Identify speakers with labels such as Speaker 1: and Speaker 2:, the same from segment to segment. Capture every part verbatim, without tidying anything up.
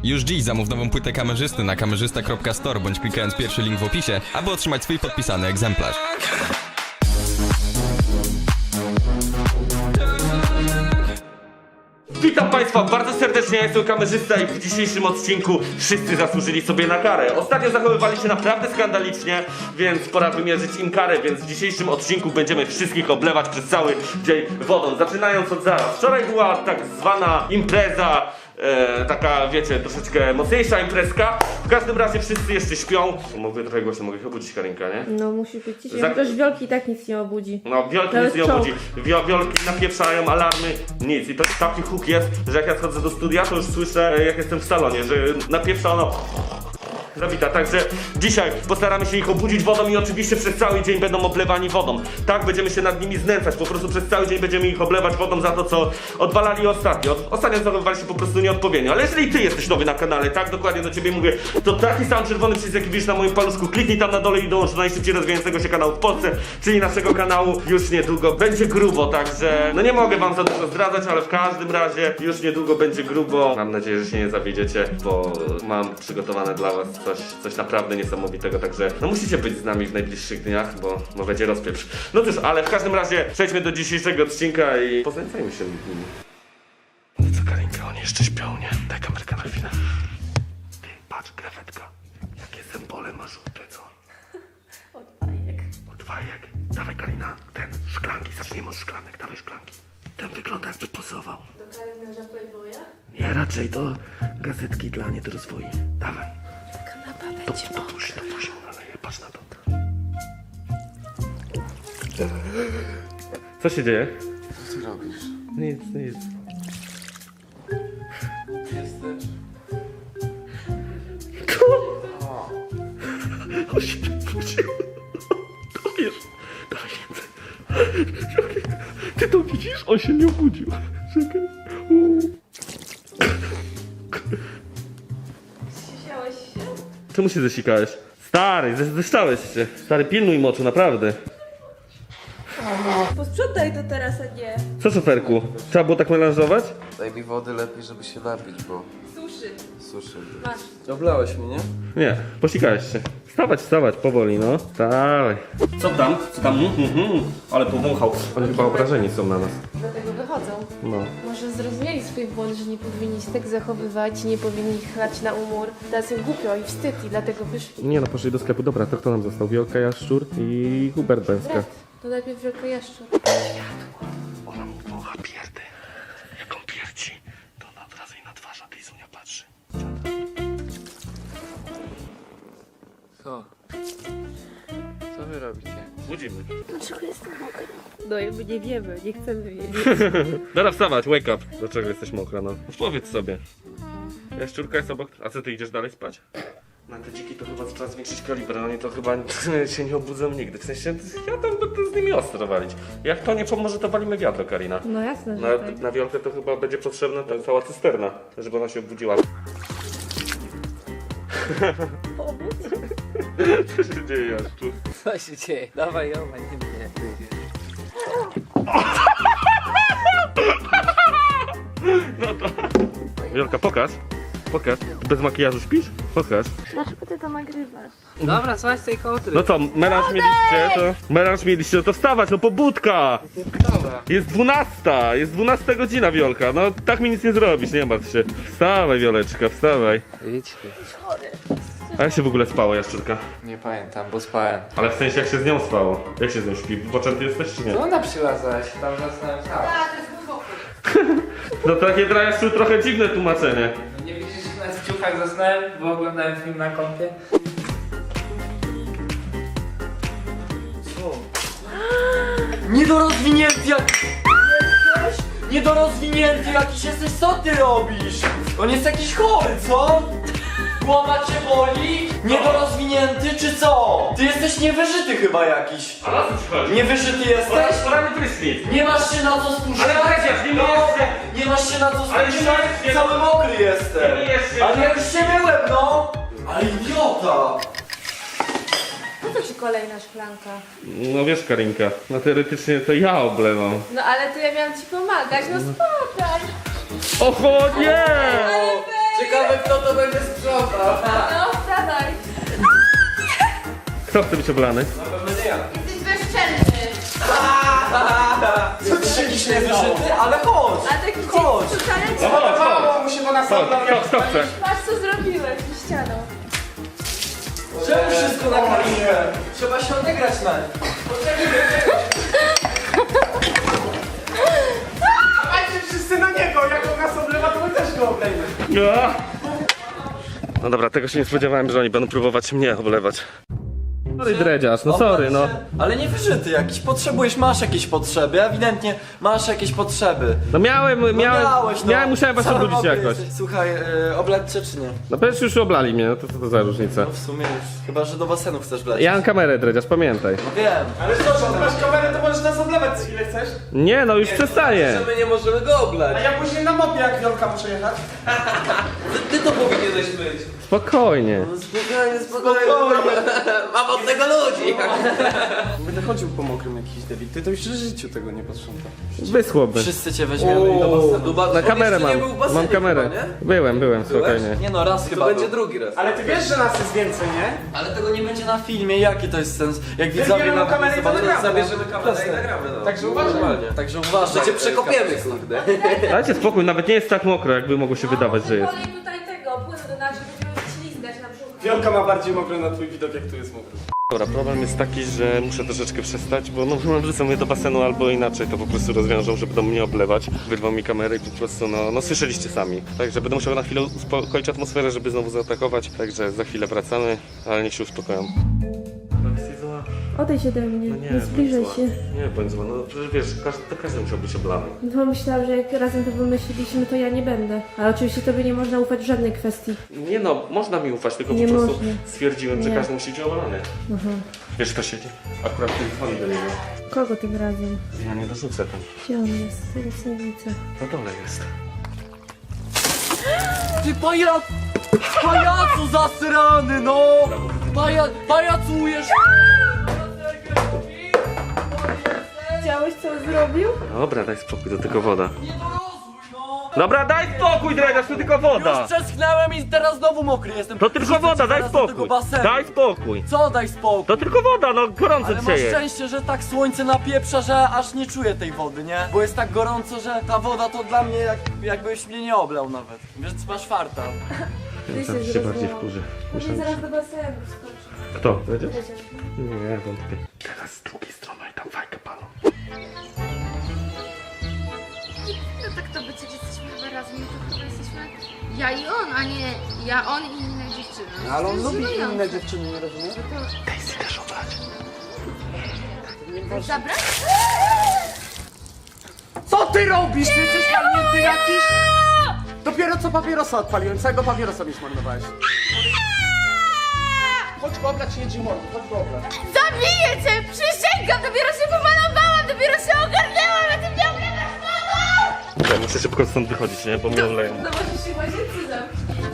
Speaker 1: Już dziś zamów nową płytę kamerzysty na kamerzysta kropka store bądź klikając pierwszy link w opisie, aby otrzymać swój podpisany egzemplarz.
Speaker 2: Witam Państwa bardzo serdecznie, ja jestem kamerzysta i w dzisiejszym odcinku wszyscy zasłużyli sobie na karę. Ostatnio zachowywali się naprawdę skandalicznie, więc pora wymierzyć im karę, więc w dzisiejszym odcinku będziemy wszystkich oblewać przez cały dzień wodą. Zaczynając od zaraz. Wczoraj była tak zwana impreza, e, taka wiecie, troszeczkę mocniejsza imprezka. W każdym razie wszyscy jeszcze śpią. Mogę trochę głośno, mogę ich obudzić, Karinka, nie?
Speaker 3: No musi być ciszej,
Speaker 2: Za-
Speaker 3: chociaż wiolki i tak nic nie obudzi.
Speaker 2: No, wiolki
Speaker 3: To
Speaker 2: nic
Speaker 3: jest
Speaker 2: nie obudzi. Wio, wiolki napieprzają, alarmy, nic. I to taki huk jest, że jak ja schodzę do studia, to już słyszę, jak jestem w salonie, że napieprza ono zabita. Także dzisiaj postaramy się ich obudzić wodą i oczywiście przez cały dzień będą oblewani wodą. Tak, będziemy się nad nimi znęcać. Po prostu przez cały dzień będziemy ich oblewać wodą za to, co odwalali ostatnio. Od, ostatnio zachowywali się po prostu nieodpowiednio. Ale jeżeli ty jesteś nowy na kanale, tak, dokładnie do ciebie mówię, to taki sam czerwony przycisk, jaki widzisz na moim paluszku, kliknij tam na dole i dołącz do najszybciej rozwijającego się kanału w Polsce, czyli naszego kanału. Już niedługo będzie grubo, także no nie mogę wam za dużo zdradzać, ale w każdym razie już niedługo będzie grubo. Mam nadzieję, że się nie zawiedziecie, bo mam przygotowane dla was coś, coś naprawdę niesamowitego, także no musicie być z nami w najbliższych dniach, bo, bo będzie rozpieprz. No cóż, ale w każdym razie przejdźmy do dzisiejszego odcinka i poznajmy się z nimi. No co, Karinka, oni jeszcze śpią, nie? Daj kamerkę na chwilę. Ty, patrz, krewetka. Jakie symbole ma żółte, co?
Speaker 3: Od bajek.
Speaker 2: Od fajek. Dawaj, Karina, ten, szklanki, zacznijmy od szklanek, dawaj szklanki. Ten wygląda, jakby pozował.
Speaker 3: Do kalendarza Playboya?
Speaker 2: Nie, raczej to gazetki dla niedorozwoi. Dawaj.
Speaker 3: Kanapa
Speaker 2: To,
Speaker 3: będzie
Speaker 2: to tuż, to tuż, ale patrz na to. Co się dzieje?
Speaker 4: Co ty robisz?
Speaker 2: Nic, nic.
Speaker 4: Jesteś?
Speaker 2: On się budził. To wiesz. Dawaj więcej. Ty to widzisz? On się nie obudził. Czekaj. U.
Speaker 3: Zsiałeś się?
Speaker 2: Czemu się zesikałeś? Stary, ze- zeszczałeś się. Stary, pilnuj moczu, naprawdę.
Speaker 3: Posprzątaj to teraz, a nie.
Speaker 2: Co, szoferku? Trzeba było tak melanżować?
Speaker 4: Daj mi wody lepiej, żeby się napić, bo
Speaker 3: Suszy.
Speaker 4: suszy.
Speaker 3: Masz.
Speaker 4: Oblałeś mnie, nie?
Speaker 2: Nie, posikałeś się. Wstawać, wstawać, powoli, no. Wstawaj. Co tam? Co tam? Mhm, mhm. Ale powąchał. Oni chyba obrażeni są na nas.
Speaker 3: Dlatego wychodzą.
Speaker 2: No.
Speaker 3: Może zrozumieli swój błąd, że nie powinni się tak zachowywać, nie powinni chlać na umór. Teraz im głupio i wstyd i dlatego wyszli.
Speaker 2: Nie no, poszli do sklepu. Dobra, to kto nam został? Wiolka, Jaszczur i Hubert Bęska.
Speaker 3: Brat, to najpierw wielka jaszczur.
Speaker 2: Ona mu wącha pierdy. Jak on pierdzi, to ona od razu i na twarz, a Lizunia patrzy.
Speaker 4: Co? Co wy robicie?
Speaker 2: Budzimy.
Speaker 3: Dlaczego jestem mokra? No i my nie wiemy, nie chcemy wiedzieć.
Speaker 2: Dobra, wstawać, wake up. Dlaczego jesteś mokra, no? Powiedz sobie. Jaszczurka jest obok. A co, ty idziesz dalej spać? Na te dziki to chyba trzeba zwiększyć kaliber, oni to chyba się nie obudzą nigdy. W sensie, ja tam będę z nimi ostro walić. Jak to nie pomoże, to walimy wiadro, Karina.
Speaker 3: No jasne, że
Speaker 2: Na,
Speaker 3: tak.
Speaker 2: na wiolkę to chyba będzie potrzebna ta cała cysterna, żeby ona się obudziła.
Speaker 3: Obudź.
Speaker 2: Co się dzieje, Jaszczur?
Speaker 4: Co się dzieje? Dawaj, ją, nie mnie.
Speaker 2: Wiolka, pokaż. Pokaż. Bez makijażu śpisz? Pokaż.
Speaker 3: Dlaczego ty to nagrywasz?
Speaker 4: Dobra, słuchaj z tej kołdry.
Speaker 2: No co, melanż mieliście, to... Melanż mieliście, no to wstawać, no pobudka!
Speaker 4: Dobra.
Speaker 2: Jest dwunasta, jest dwunasta godzina, Wiolka, no tak mi nic nie zrobisz, nie martw się. Wstawaj, Wioleczka, wstawaj.
Speaker 4: Idź.
Speaker 2: A jak się w ogóle spało, Jaszczurka?
Speaker 4: Nie pamiętam, bo spałem.
Speaker 2: Ale w sensie, jak się z nią spało? Jak się z nią śpi? Poczęty jesteś, czy nie?
Speaker 4: Co ona przyłazałaś? Tam zasnąłem sam.
Speaker 2: No takie dla Jaszczur trochę dziwne tłumaczenie.
Speaker 4: No nie widzisz, że na ciuchach zasnąłem, bo oglądałem film na kompie?
Speaker 5: Co? Niedorozwinięty jak... Jesteś? Niedorozwinięty jakiś jesteś, co ty robisz? On jest jakiś chory, co? Głowa cię boli? Niedorozwinięty czy co? Ty jesteś niewyżyty chyba jakiś.
Speaker 2: A na co ci chodzi?
Speaker 5: Niewyżyty jesteś?
Speaker 2: Poranny prysznic.
Speaker 5: Nie masz się na co spuszczać?
Speaker 2: Ale przecież nie
Speaker 5: No,
Speaker 2: myjesz
Speaker 5: nie masz się na co
Speaker 2: Ale nie
Speaker 5: spuszczać?
Speaker 2: myjesz się.
Speaker 5: Cały mokry jestem.
Speaker 2: Nie myjesz się.
Speaker 5: Ale ja już się myłem, no! Ale idiota!
Speaker 3: Po co ci kolejna szklanka?
Speaker 2: No wiesz, Karinka, no teoretycznie to ja oblewam.
Speaker 3: No ale to ja miałam ci pomagać, no spokaj.
Speaker 2: Oho, nie!
Speaker 3: Ale weź
Speaker 5: Ciekawe kto to będzie sprzątał.
Speaker 3: No, wstawaj.
Speaker 1: Kto chce być oblany?
Speaker 3: Jesteś bezczelny.
Speaker 5: Co ty jakiś niewyżyty? Ale chodź!
Speaker 3: A taki
Speaker 5: Chodź.
Speaker 3: dzień wcale
Speaker 2: No chodź, chodź.
Speaker 6: mu się, bo nas
Speaker 2: Chodź, kto, kto chce?
Speaker 3: Patrz co zrobiłeś z ścianą.
Speaker 5: Czemu wszystko nagraliśmy? Trzeba się odegrać na nim.
Speaker 6: Patrzcie wszyscy na niego, jak on nas oblewa, to my też go oblejmy.
Speaker 2: No. No dobra, tego się nie spodziewałem, że oni będą próbować mnie oblewać.
Speaker 1: Sorry, dredziarz, no sorry, no.
Speaker 5: Ale nie wyżyty jakiś, potrzebujesz, masz jakieś potrzeby, ewidentnie masz jakieś potrzeby.
Speaker 1: No miałem,
Speaker 5: No
Speaker 1: miałem,
Speaker 5: miałeś, no.
Speaker 1: miałem, musiałem was
Speaker 5: Cały
Speaker 1: obudzić
Speaker 5: mokry
Speaker 1: jakoś.
Speaker 5: jesteś. Słuchaj, yy, oblać cię czy nie?
Speaker 1: No przecież już oblali mnie, no to co to za różnica?
Speaker 5: No w sumie już. Chyba, że do basenu chcesz wleć.
Speaker 1: Ja mam kamerę, dredziarz, pamiętaj.
Speaker 5: No wiem.
Speaker 6: Ale co, że ty masz kamerę, to możesz nas oblewać co ile chcesz.
Speaker 1: Nie, no już przestaję.
Speaker 5: My nie możemy go oblać.
Speaker 6: A ja później na mopie jak Wiolka muszę jechać.
Speaker 5: Ty to powinieneś być.
Speaker 1: Spokojnie.
Speaker 5: Spokojnie, spokojnie. Mam od tego ludzi.
Speaker 6: Będę chodził po mokrym jakiś debit. Ty to już w życiu tego nie posprzątasz.
Speaker 1: Wysłoby.
Speaker 5: Wszyscy cię weźmiemy i do basenu.
Speaker 1: Na kamerę mam, mam kamerę. Byłem, byłem, spokojnie.
Speaker 5: Nie no, raz chyba będzie drugi raz.
Speaker 6: Ale ty wiesz, że nas jest więcej, nie?
Speaker 5: Ale tego nie będzie na filmie, jaki to jest sens? Jak widzowie
Speaker 6: Zabierzemy
Speaker 5: na
Speaker 6: kamerę i to nagramy.
Speaker 5: zabierzemy kamerę i nagramy, no.
Speaker 6: Także uważaj.
Speaker 5: Także uważaj. Że cię przekopiemy, kurde.
Speaker 1: Dajcie spokój, nawet nie jest tak mokro, jakby mogło się wydawać, że jest.
Speaker 3: Kolej tutaj tego, płynu do nas, że będziemy ślizgać na brzuchu.
Speaker 6: Wiolka ma bardziej mokre na twój widok, jak tu jest mokry.
Speaker 2: Dobra, problem jest taki, że muszę troszeczkę przestać, bo no wrzucą mnie do basenu albo inaczej to po prostu rozwiążą, że będą mnie oblewać. Wyrwą mi kamerę i po prostu no, no słyszeliście sami. Także będę musiał na chwilę uspokoić atmosferę, żeby znowu zaatakować. Także za chwilę wracamy, ale niech się uspokoją.
Speaker 3: Odejdź ode mnie,
Speaker 2: No
Speaker 3: nie,
Speaker 2: nie,
Speaker 3: zbliżaj
Speaker 2: bądź
Speaker 3: się.
Speaker 2: zła. Nie, bądź zła, no przecież wiesz, każdy, to każdy musiał być oblany.
Speaker 3: No myślałam, że jak razem to wymyśliliśmy, to ja nie będę. Ale oczywiście tobie nie można ufać w żadnej kwestii.
Speaker 2: Nie no, można mi ufać, tylko
Speaker 3: Nie
Speaker 2: po prostu
Speaker 3: można.
Speaker 2: stwierdziłem, że
Speaker 3: Nie.
Speaker 2: każdy musi być oblany.
Speaker 3: Aha.
Speaker 2: Wiesz kto siedzi? Akurat ty dzwoni do niego.
Speaker 3: Kogo tym razem?
Speaker 2: Ja nie dorzucę tam.
Speaker 3: Gdzie on jest? Teraz nie widzę.
Speaker 2: Na dole jest.
Speaker 5: Ty pajac... Pajacu zasrany, no! Paja... Pajacujesz!
Speaker 3: Widziałeś co on zrobił?
Speaker 2: Dobra, daj spokój, to tylko woda.
Speaker 5: Nie dorozłuj, no!
Speaker 2: Dobra, daj spokój, dredziarz, to tylko woda!
Speaker 5: Już przeschnęłem i teraz znowu mokry jestem.
Speaker 2: To tylko
Speaker 5: Rzucę
Speaker 2: woda,
Speaker 5: cię
Speaker 2: daj
Speaker 5: zaraz do tego
Speaker 2: spokój!
Speaker 5: basenu.
Speaker 2: Daj spokój!
Speaker 5: Co daj spokój?
Speaker 2: To tylko woda, no gorąco
Speaker 5: Ale
Speaker 2: dzisiaj
Speaker 5: masz
Speaker 2: jest.
Speaker 5: szczęście, że tak słońce napieprza, że aż nie czuję tej wody, nie? Bo jest tak gorąco, że ta woda to dla mnie jak, jakbyś mnie nie oblał nawet. Wiesz, masz farta.
Speaker 3: Ty
Speaker 2: Tam się bardziej wkurzy.
Speaker 3: Może
Speaker 2: Myślałem,
Speaker 3: zaraz do basenu skoczy.
Speaker 2: Kto? Dredziarz? Nie, wątpię. Teraz z drugiej strony i tam fajkę palą.
Speaker 7: No tak to by przecież jesteśmy chyba razem, no to chyba jesteśmy ja i on, a nie ja, on i inne dziewczyny. No,
Speaker 6: Ale on
Speaker 7: to jest
Speaker 6: lubi
Speaker 7: żenujące.
Speaker 6: inne dziewczyny, nie rozumiesz?
Speaker 2: Daisy też oblać.
Speaker 7: Zabrać?
Speaker 6: Co ty robisz? Ty jesteś walnięty jakiś? Dopiero co papierosa odpaliłem, całego papierosa mi zmarnowałeś. Chodź go oblać, nie mordu, chodź go oblać.
Speaker 7: Zabiję cię! Przysięgam! Dopiero się pomalowałam, dopiero się ogarnęłam, a ty mnie oblewasz wodą!
Speaker 2: Ja muszę szybko stąd wychodzić, nie? Bo mnie oleją.
Speaker 3: No możesz się łaziency zamknąć.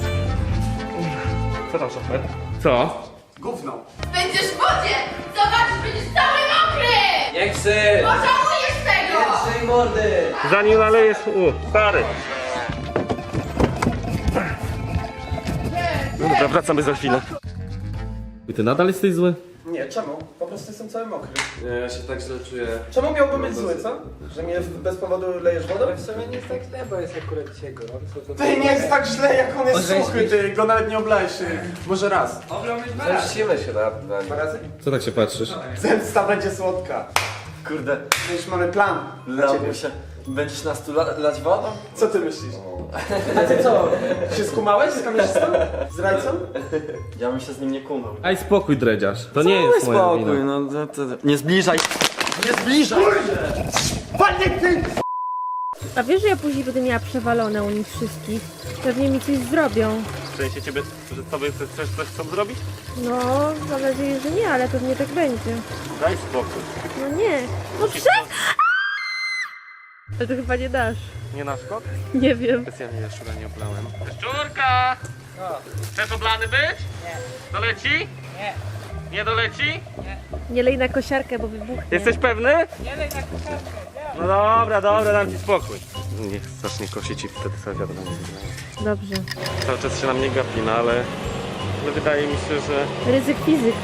Speaker 2: Co tam, szafet? Co?
Speaker 6: Gówno.
Speaker 7: Będziesz w wodzie! Zobaczysz, będziesz cały mokry!
Speaker 5: Nie chcę!
Speaker 7: Pożałujesz tego!
Speaker 5: Chcę mordy!
Speaker 2: Zanim nalejesz... U, stary. No dobra, wracamy za chwilę.
Speaker 1: I ty nadal jesteś zły?
Speaker 6: Nie, czemu? Po prostu jestem cały mokry.
Speaker 5: Nie, ja się tak źle czuję.
Speaker 6: Czemu miałbym być zły, co? Że mnie bez powodu lejesz wodą?
Speaker 8: W sumie nie jest tak źle, bo jest akurat dzisiaj gorąco. To
Speaker 6: Ty nie jest tak źle, jak on jest
Speaker 8: Orzeźwić.
Speaker 6: suchy, ty go nawet nie oblałeś. Może raz.
Speaker 8: Zemścimy się na, na nim.
Speaker 6: Dwa razy?
Speaker 1: Co tak się patrzysz?
Speaker 6: Zemsta będzie słodka.
Speaker 5: Kurde,
Speaker 6: Już mamy plan dla ciebie.
Speaker 5: lamusia. Będziesz nas tu la lać wodą?
Speaker 6: Co ty myślisz? A ty co? Się skumałeś z kamerzystą? Z rajcą?
Speaker 5: Ja bym się z nim nie kumał.
Speaker 1: Daj spokój, dredziarz. To nie jest moja
Speaker 5: spokój,
Speaker 1: wina.
Speaker 5: no to, to, nie zbliżaj. Nie zbliżaj!
Speaker 6: Panie ty!
Speaker 3: A wiesz, że ja później będę miała przewalone u nich wszystkich? Pewnie mi coś zrobią.
Speaker 2: W sensie ciebie, że sobie coś, coś chcą zrobić?
Speaker 3: No, mam nadzieję, że nie, ale pewnie tak będzie.
Speaker 2: Daj spokój.
Speaker 3: No nie. No prze... Ale to chyba nie dasz.
Speaker 2: Nie na szkod?
Speaker 3: Nie wiem.
Speaker 2: Specjalnie jaszczura nie oblałem. Szczurka! Chcesz oblany być? Nie. Doleci? Nie. Nie doleci?
Speaker 3: Nie lej na kosiarkę, bo wybuchnie.
Speaker 2: Jesteś pewny?
Speaker 8: Nie lej na kucharkę,
Speaker 2: No dobra, dobra, dam ci spokój. Niech zacznie kosić i wtedy sobie wiadomo.
Speaker 3: Dobrze.
Speaker 2: Cały czas się na mnie gapi, no ale... ale wydaje mi się, że...
Speaker 3: Ryzyk fizyk.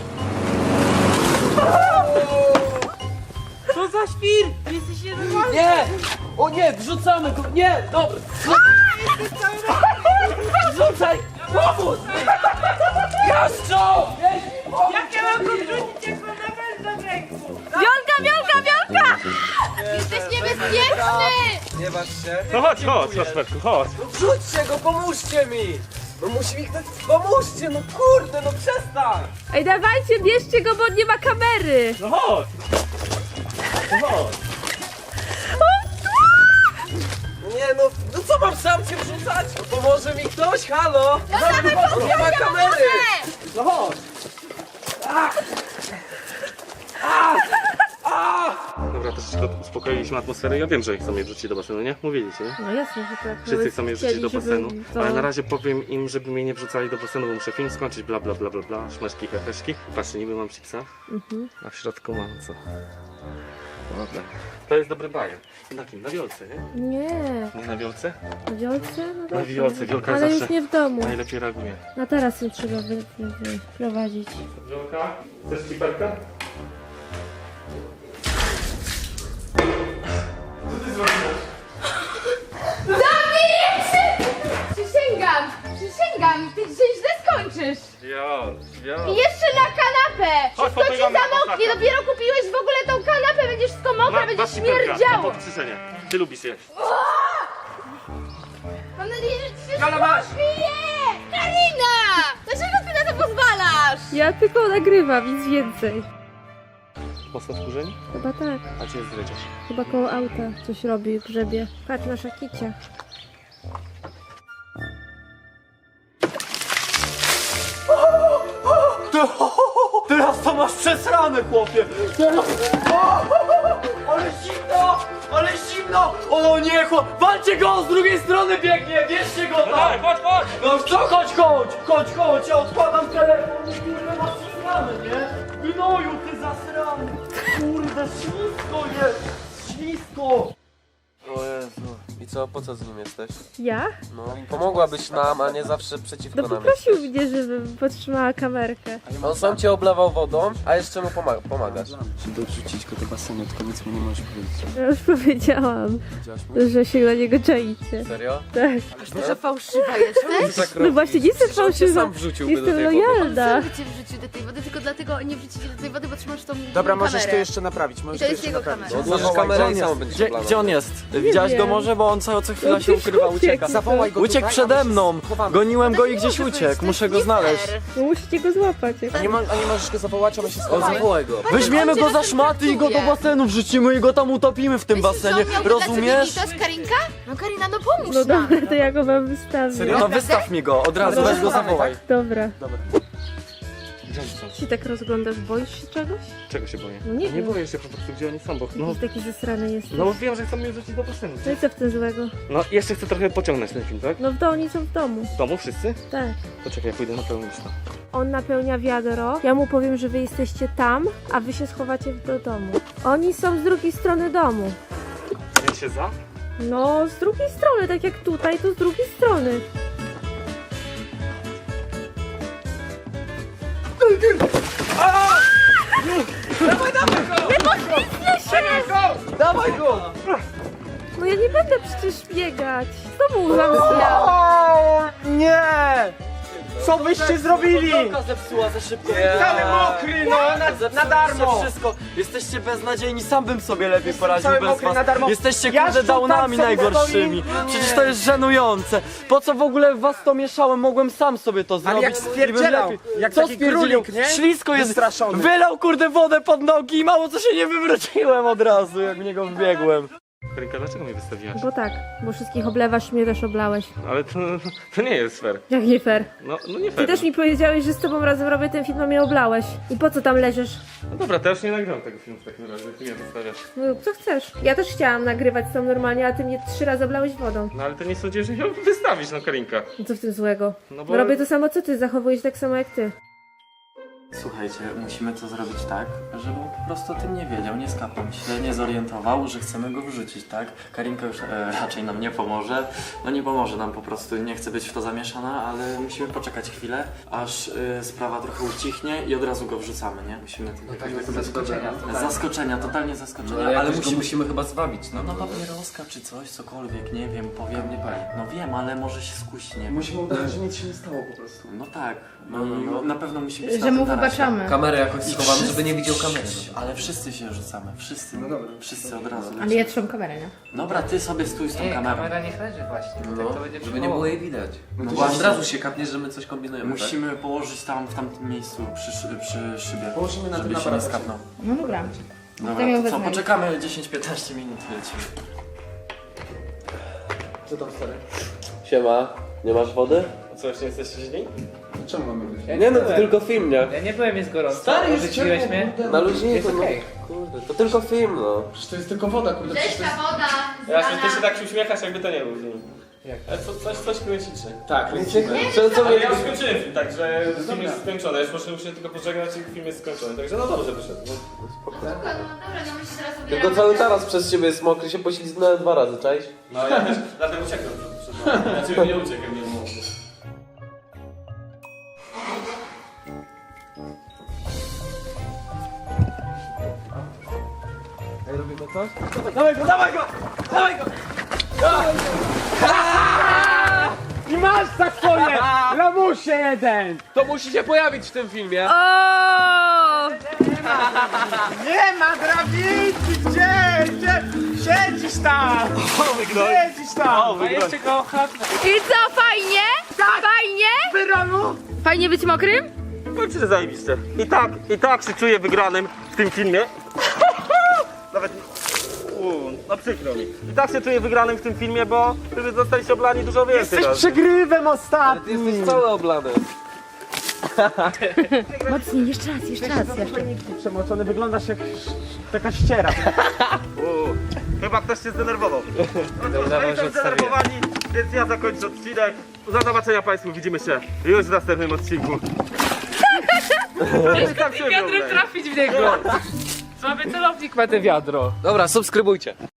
Speaker 5: Co za świr! Jesteś nienormalny! Nie! O nie, wrzucamy go! Nie! Dobra! Wrzucaj! Pomóż! Jaszczo!
Speaker 7: Jak ja mam go wrzucić, jak mam nawet do ręku? Wiolka, Wiolka, Wiolka! Jesteś niebezpieczny!
Speaker 8: Nie bacz się.
Speaker 2: No chodź, chodź, Kasperku, chodź.
Speaker 8: Wrzućcie go, pomóżcie mi! No musi mi ktoś... Pomóżcie, no kurde, no przestań!
Speaker 3: Ej, dawajcie, bierzcie go, bo nie ma kamery.
Speaker 2: No chodź. No chodź.
Speaker 8: Nie no, no co mam sam cię wrzucać? No pomoże mi ktoś, halo? No nie ma kamery!
Speaker 2: No chodź. Dobra, troszeczkę uspokoiliśmy atmosferę. Ja wiem, że chcą mnie wrzucić do basenu, nie? Mówiliście, nie?
Speaker 3: No jasne, że tak.
Speaker 2: Wszyscy chcą mnie wrzucić do
Speaker 3: Chcieli,
Speaker 2: basenu,
Speaker 3: żeby to-
Speaker 2: ale na razie powiem im, żeby mnie nie wrzucali do basenu, bo muszę film skończyć, bla bla bla bla bla, szmeszki, heheszki. Patrzcie, niby mam chipsa,
Speaker 3: Mhm.
Speaker 2: a w środku mam co? Dobra. To jest dobry bajer. Na kim? Na wiolce, nie?
Speaker 3: Nie,
Speaker 2: Nie na wiolce?
Speaker 3: na wiolce? No
Speaker 2: Na
Speaker 3: dobrze.
Speaker 2: wiolce, wiolka
Speaker 3: Ale
Speaker 2: zawsze
Speaker 3: już nie w domu.
Speaker 2: najlepiej reaguje.
Speaker 3: No teraz ją trzeba wy, wy, wy, prowadzić.
Speaker 2: Wiolka, chcesz kiperka?
Speaker 7: Przysięgam, przysięgam, ty dzisiaj źle skończysz.
Speaker 2: Wiol, wiol.
Speaker 7: I jeszcze na kanapę!
Speaker 2: Chodź,
Speaker 7: Wszystko ci
Speaker 2: popychamy na
Speaker 7: zamoknie,
Speaker 2: kosaka.
Speaker 7: dopiero kupiłeś w ogóle tą kanapę, będziesz wszystko mokre, będziesz śmierdziało.
Speaker 2: Na podkrzyczenie. Ty lubisz jeść.
Speaker 7: Mam nadzieję, że ci się
Speaker 2: Kala, masz!
Speaker 7: Nie! Karina! Dlaczego ty na to pozwalasz?
Speaker 3: Ja tylko nagrywam, nic więcej.
Speaker 2: Mocno wkurzeni?
Speaker 3: Chyba tak.
Speaker 2: A gdzie jest dredziarz?
Speaker 3: Chyba koło auta coś robi, grzebie. Patrz na szakicia.
Speaker 5: Teraz to masz przesrane, chłopie! Teraz... Ale zimno! Ale zimno! O nie, chłop... Walcie go! Z drugiej strony biegnie! Bierzcie go tam!
Speaker 2: chodź, chodź!
Speaker 5: No co? Chodź, chodź! Chodź, chodź! Ja odkładam telefon i kurde masz przesrane, nie? Gnoju, ty zasrany! Kurde, ślisko jest! Ślisko!
Speaker 8: O Jezu. I co, po co z nim jesteś?
Speaker 3: Ja?
Speaker 8: No, pomogłabyś nam, a nie zawsze przeciwko
Speaker 3: No
Speaker 8: nam
Speaker 3: poprosił
Speaker 8: jesteś.
Speaker 3: mnie, żebym podtrzymała kamerkę.
Speaker 8: On sam cię oblewał wodą, a jeszcze mu pomaga, pomagasz.
Speaker 5: Dorzucić go do basenu, tylko nic mu nie możesz powiedzieć.
Speaker 3: Ja już powiedziałam, że się na niego czaicie.
Speaker 8: Serio?
Speaker 3: Tak.
Speaker 7: Że fałszywa jesteś?
Speaker 3: No właśnie, nie jestem
Speaker 8: Przecież on cię
Speaker 3: fałszywa.
Speaker 8: sam wrzuciłby do
Speaker 3: Jestem
Speaker 8: tej wody.
Speaker 3: lojalna.
Speaker 7: Sam cię wrzucił do tej wody, tylko dlatego nie wrzucicie do tej wody, bo trzymasz tą
Speaker 6: Dobra, możesz
Speaker 7: kamerę.
Speaker 6: to jeszcze naprawić, możesz
Speaker 7: I to
Speaker 6: to
Speaker 7: jest
Speaker 6: jeszcze
Speaker 7: jego
Speaker 6: naprawić.
Speaker 7: kamera.
Speaker 8: No, odłożysz kamerę i sam będziesz
Speaker 5: Gdzie,
Speaker 8: oblana.
Speaker 5: gdzie on jest? Widziałaś go
Speaker 3: wiem.
Speaker 5: może? Bo on co, co chwila
Speaker 3: On
Speaker 5: się
Speaker 3: gdzieś
Speaker 5: ukrywa,
Speaker 3: uciekł.
Speaker 5: ucieka.
Speaker 6: Zawołaj go
Speaker 5: Uciekł
Speaker 6: tutaj, a
Speaker 5: przede
Speaker 6: my się
Speaker 5: mną!
Speaker 6: schowamy.
Speaker 5: Goniłem
Speaker 7: To
Speaker 5: go
Speaker 7: nie
Speaker 5: i gdzieś
Speaker 7: może być,
Speaker 5: uciekł,
Speaker 7: to
Speaker 5: muszę
Speaker 7: jest
Speaker 5: go
Speaker 7: nie
Speaker 5: znaleźć.
Speaker 7: fair.
Speaker 3: No musicie go złapać.
Speaker 6: A nie, mo- a nie możesz go zawołać, a my się
Speaker 8: O,
Speaker 6: schowamy.
Speaker 8: zawołaj go.
Speaker 5: Weźmiemy
Speaker 7: on cię
Speaker 5: go za
Speaker 7: czasem
Speaker 5: szmaty i go do
Speaker 7: traktuje.
Speaker 5: basenu wrzucimy i go tam utopimy w tym
Speaker 7: Myślisz, że on
Speaker 5: basenie.
Speaker 7: miałby
Speaker 5: Rozumiesz?
Speaker 7: dla ciebie to jest Karinka? No Karina, no pomóż
Speaker 3: No
Speaker 7: nam.
Speaker 3: dobra, to ja go wam wystawię.
Speaker 6: Serio?
Speaker 5: No wystaw mi go, od razu,
Speaker 6: Ale
Speaker 5: weź go
Speaker 6: schowamy,
Speaker 5: zawołaj.
Speaker 3: Dobra.
Speaker 2: Gdzie oni są?
Speaker 3: Się tak rozglądasz, boisz się czegoś?
Speaker 2: Czego się boję?
Speaker 3: No nie
Speaker 2: Nie
Speaker 3: wiem.
Speaker 2: boję się po prostu, gdzie oni są, bo... No,
Speaker 3: Jakiś taki zasrany jest.
Speaker 2: no wiem, że chcą mnie wrzucić do basenu.
Speaker 3: No i co w tym złego?
Speaker 2: No, jeszcze chcę trochę pociągnąć ten film, tak?
Speaker 3: No w domu, oni są w domu.
Speaker 2: W domu wszyscy?
Speaker 3: Tak.
Speaker 2: Poczekaj, ja pójdę na pełną listę.
Speaker 3: On napełnia wiadro, ja mu powiem, że wy jesteście tam, a wy się schowacie do domu. Oni są z drugiej strony domu.
Speaker 2: Ja się za?
Speaker 3: No, z drugiej strony, tak jak tutaj, to z drugiej strony.
Speaker 5: Dawaj go!
Speaker 3: No ja nie będę przecież biegać. Znowu wam zmiał.
Speaker 6: O, nie! Co byście zrobili?
Speaker 5: Kołka zepsuła za szybko.
Speaker 6: Cały mokry, no, na, na
Speaker 5: Zepsuliście
Speaker 6: darmo!
Speaker 5: wszystko. Jesteście beznadziejni, sam bym sobie lepiej
Speaker 6: Jestem
Speaker 5: poradził
Speaker 6: cały
Speaker 5: bez
Speaker 6: mokry
Speaker 5: was.
Speaker 6: na darmo.
Speaker 5: Jesteście
Speaker 6: Ja
Speaker 5: kurde
Speaker 6: szczutam
Speaker 5: downami
Speaker 6: sobie
Speaker 5: najgorszymi.
Speaker 6: stoi.
Speaker 5: Przecież to jest żenujące. Po co w ogóle w was to mieszałem? Mogłem sam sobie to zrobić.
Speaker 6: jak
Speaker 5: i bym
Speaker 6: spierdzielał,
Speaker 5: lepiej-
Speaker 6: jak
Speaker 5: Co
Speaker 6: taki
Speaker 5: spierdzielał?
Speaker 6: królik, nie?
Speaker 5: Ślisko jest.
Speaker 6: Wystraszony.
Speaker 5: Wylał kurde wodę pod nogi i mało co się nie wywróciłem od razu, jak w niego wbiegłem.
Speaker 2: Karinka, dlaczego mnie wystawiłaś?
Speaker 3: Bo tak, bo wszystkich oblewasz, mnie też oblałeś.
Speaker 2: Ale to, to nie jest fair.
Speaker 3: Jak nie fair.
Speaker 2: No, no nie
Speaker 3: Ty
Speaker 2: fair.
Speaker 3: też mi powiedziałeś, że z tobą razem robię ten film, a mnie oblałeś. I po co tam leżysz?
Speaker 2: No dobra, to ja już nie nagrywam tego filmu w takim razie, ty mnie wystawiasz.
Speaker 3: No rób co chcesz. Ja też chciałam nagrywać z tą normalnie, a ty mnie trzy razy oblałeś wodą.
Speaker 2: No ale to nie sądzisz, że ją wystawisz, no Karinka.
Speaker 3: No co w tym złego?
Speaker 2: No
Speaker 3: No
Speaker 2: bo...
Speaker 3: robię to samo co ty, zachowuję się tak samo jak ty.
Speaker 5: Słuchajcie, musimy to zrobić tak, żeby on po prostu o tym nie wiedział, nie skapał się, nie zorientował, że chcemy go wrzucić, tak? Karinka już e, raczej nam nie pomoże. No nie pomoże nam po prostu, nie chce być w to zamieszana, ale musimy poczekać chwilę, aż e, sprawa trochę ucichnie i od razu go wrzucamy, nie? Musimy tego
Speaker 8: Tak, to zaskoczenia.
Speaker 5: zaskoczenia, totalnie zaskoczenia,
Speaker 8: ale
Speaker 5: ale
Speaker 8: musimy...
Speaker 5: musimy...
Speaker 8: musimy chyba zwabić, no.
Speaker 5: No papieroska czy coś, cokolwiek, nie wiem, powiem, nie powiem. No wiem, ale może się skusi, nie?
Speaker 6: Musimy udać, że nic się nie stało po prostu.
Speaker 5: No tak, no,
Speaker 8: No, no, no.
Speaker 5: na pewno musi być na
Speaker 7: Że
Speaker 5: tym
Speaker 7: mu
Speaker 5: tarasie.
Speaker 7: wybaczamy.
Speaker 8: Kamerę jakoś
Speaker 5: I
Speaker 8: schowamy,
Speaker 5: wszyscy-
Speaker 8: żeby nie widział kamery. No.
Speaker 5: Ale wszyscy się rzucamy, wszyscy.
Speaker 6: No dobra.
Speaker 5: Wszyscy od razu.
Speaker 7: Ale ja trzymam kamerę, nie?
Speaker 5: Dobra, ty sobie stój z tą
Speaker 4: Nie,
Speaker 5: kamerą.
Speaker 4: kamera niech leży właśnie, bo tak to będzie
Speaker 8: Żeby nie było jej widać. No,
Speaker 5: No
Speaker 8: to
Speaker 5: właśnie.
Speaker 8: od razu się kapnie, że my coś kombinujemy.
Speaker 5: Musimy położyć tam, w tamtym miejscu, przy, szy- przy szybie,
Speaker 6: Położymy na
Speaker 5: żeby
Speaker 6: tym
Speaker 5: się nie
Speaker 6: aparacie.
Speaker 5: skapnął.
Speaker 7: No dobra.
Speaker 5: Dobra,
Speaker 7: ją
Speaker 5: to co,
Speaker 7: wezmę.
Speaker 5: poczekamy dziesięć piętnaście minut i lecimy.
Speaker 6: Co tam stary?
Speaker 8: Siema, nie masz wody?
Speaker 9: Co, jeszcze jesteście źli?
Speaker 6: Czemu mamy być?
Speaker 4: Ja
Speaker 8: Nie no, to
Speaker 4: byłem.
Speaker 8: tylko film, nie?
Speaker 4: Ja nie byłem, jest gorąco.
Speaker 6: Stary, jest
Speaker 4: Odrzuciłeś
Speaker 6: ciepło,
Speaker 4: mnie?
Speaker 6: kurde.
Speaker 8: Na luźniku,
Speaker 4: Jest
Speaker 8: no.
Speaker 4: okej.
Speaker 8: Kurde, to tylko film, no.
Speaker 6: Przecież to jest tylko woda, kurde.
Speaker 7: Cześć,
Speaker 6: przecież to
Speaker 7: ta
Speaker 6: jest...
Speaker 7: woda.
Speaker 9: Ja ty się tak się uśmiechasz, jakby to nie był film.
Speaker 4: Jak?
Speaker 9: Ale co, coś, coś kręcicie.
Speaker 6: Tak, lecimy.
Speaker 8: Co, co
Speaker 9: Ale
Speaker 8: mnie...
Speaker 9: ja już skończyłem film, także film jest skończony. Już muszę się tylko pożegnać i film jest skończony. Także no dobrze wyszedł. No.
Speaker 7: No dobra, no my się teraz ubieramy.
Speaker 8: Tylko cały taras przez ciebie jest mokry, się poślizgnąłem dwa razy, cześć?
Speaker 9: No ja też dlatego uciekłem przed wami. Znaczy nie uciekłem, nie mówię.
Speaker 6: Ej, robimy coś? Dawaj go, dawaj go! Dawaj go! I masz za swoje! Lamusie jeden!
Speaker 8: To musi się pojawić w tym filmie.
Speaker 6: Nie ma drabinki! Gdzie? Gdzie? Siedzisz tam! Siedzisz tam!
Speaker 4: A jeszcze go chlapnę.
Speaker 7: I co, fajnie? Fajnie?
Speaker 6: Wyronu!
Speaker 7: Fajnie być mokrym?
Speaker 2: Powiem ci, że zajebiście. I tak, i tak się czuję wygranym w tym filmie. Nawet... Uuu, no przykro mi. I tak się czuję wygranym w tym filmie, bo wy zostaliście oblani dużo więcej
Speaker 6: Jesteś
Speaker 2: razy.
Speaker 6: przegrywem
Speaker 8: Ty
Speaker 6: ostatnim!
Speaker 8: jesteś cały oblany.
Speaker 7: Mocniej, jeszcze raz, jeszcze raz. Jeszcze.
Speaker 6: Przemoczony, wyglądasz jak taka ściera.
Speaker 2: Uuu, chyba ktoś się zdenerwował. No cóż,
Speaker 4: Udało,
Speaker 2: no
Speaker 4: że
Speaker 2: i są
Speaker 4: odstawiłem.
Speaker 2: zdenerwowani, więc ja zakończę odcinek. Do zobaczenia Państwu, widzimy się już w następnym odcinku. Tak się
Speaker 4: Wiadrem
Speaker 2: oglądaj.
Speaker 4: trafić w niego. Słaby celownik ma te wiadro.
Speaker 8: Dobra, subskrybujcie.